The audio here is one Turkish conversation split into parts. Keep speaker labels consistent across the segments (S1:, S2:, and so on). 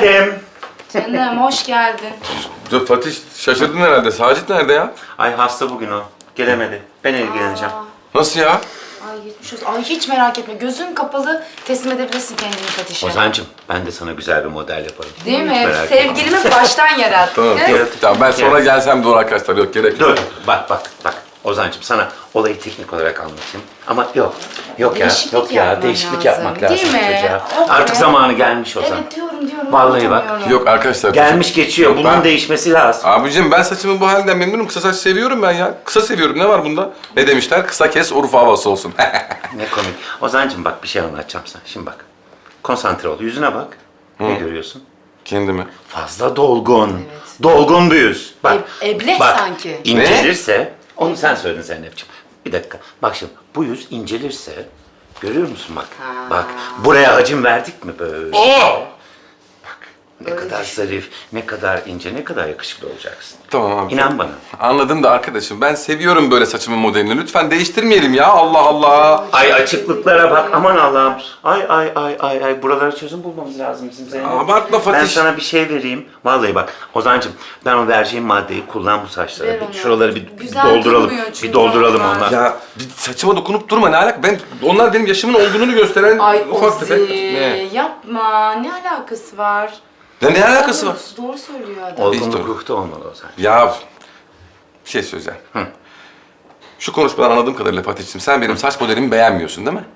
S1: Geldim.
S2: Canım hoş geldin.
S3: Dur Fatih şaşırdın herhalde. Sacit nerede ya?
S1: Ay hasta bugün o. Gelemedi. Ben ilgileneceğim.
S3: Nasıl ya?
S2: Ay geçmiş olsun. Ay hiç merak etme. Gözün kapalı teslim edebilirsin kendini Fatih'e.
S1: Ozancığım ben de sana güzel bir model yaparım.
S2: Değil mi?
S1: Merak etme.
S2: Sevgilimi baştan yarattık.
S3: Tamam, tamam ben sonra gelsem doğru arkadaşlar. Yok gerek yok.
S1: Dur, bak. Ozancığım sana olayı teknik olarak anlatayım. Ama yok ya,
S2: Değişiklik
S1: yok ya.
S2: yapman
S1: Değişiklik
S2: lazım,
S1: yapmak lazım
S2: değil mi?
S1: çocuğa.
S2: Oh be.
S1: Artık zamanı gelmiş Ozan.
S2: Evet diyorum.
S1: Vallahi bak.
S2: anlatamıyorum.
S3: Yok arkadaşlar.
S1: Gelmiş geçiyor.
S3: Yok,
S1: Bunun
S3: ben-
S1: değişmesi lazım.
S3: Abicim ben saçımın bu halinden memnunum. Kısa saç seviyorum ben ya. Kısa seviyorum. Ne var bunda? Ne demişler? Kısa kes Urfa havası olsun.
S1: Ne komik. Ozancığım bak bir şey anlatacağım sana. Şimdi bak. Konsantre ol. Yüzüne bak. Ne görüyorsun?
S3: Kendimi.
S1: Fazla dolgun. Dolgun bir yüz. Bak.
S2: Ebleh
S1: bak,
S2: sanki.
S1: İncelirse, onu sen söyledin Zeynep'ciğim. Bir dakika. Bak şimdi bu yüz incelirse, görüyor musun bak.
S2: Ha.
S1: Bak buraya hacim verdik mi böyle?
S3: Oo!
S1: Bak ne kadar zarif, ne kadar ince, ne kadar yakışıklı olacaksın.
S3: Tamam abi.
S1: İnan bana.
S3: Anladım da arkadaşım ben seviyorum böyle saçımın modelini. Lütfen değiştirmeyelim ya. Allah Allah.
S1: Ay açıklıklara bak aman Allah'ım. Ay buralara çözüm bulmamız lazım bizim Zeynep.
S3: Abartma Fatih.
S1: Ben sana bir şey vereyim. Vallahi bak Ozancığım ben o vereceğim maddeyi kullan bu saçlara.
S2: Ver
S1: Bir
S2: onu.
S1: şuraları bir
S2: Güzel
S1: dolduralım.
S2: durmuyor çünkü
S1: Bir dolduralım
S2: onlar.
S1: onlar.
S3: Ya bir saçıma dokunup durma ne alaka? Onlar benim yaşımın olgunluğunu gösteren
S2: Ay
S3: ufak tefek.
S2: Ozi yapma. Ne alakası var?
S3: Ya ne alakası var?
S2: Doğru söylüyor adam.
S1: Olgunluk
S3: Hiç
S1: ruhta olmalı Ozan.
S3: Ya bir şey söyleyeceğim. Şu konuşmadan anladığım kadarıyla Fatih'ciğim sen benim saç modelimi beğenmiyorsun değil mi?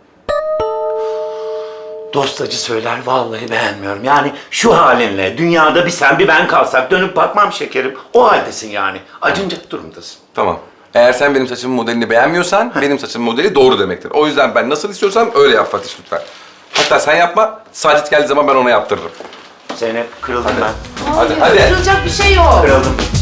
S1: Dost acı söyler vallahi beğenmiyorum. Yani şu halinle dünyada bir sen bir ben kalsak dönüp bakmam şekerim. O haldesin yani. Acınacak durumdasın.
S3: Tamam. Eğer sen benim saçımın modelini beğenmiyorsan benim saçımın modeli doğru demektir. O yüzden ben nasıl istiyorsam öyle yap Fatih lütfen. Hatta sen yapma, Sacit geldiği zaman ben ona yaptırırım.
S1: Zeynep kırıldım ben.
S3: Hadi.
S2: Kırılacak bir şey yok.
S1: Kırıldım.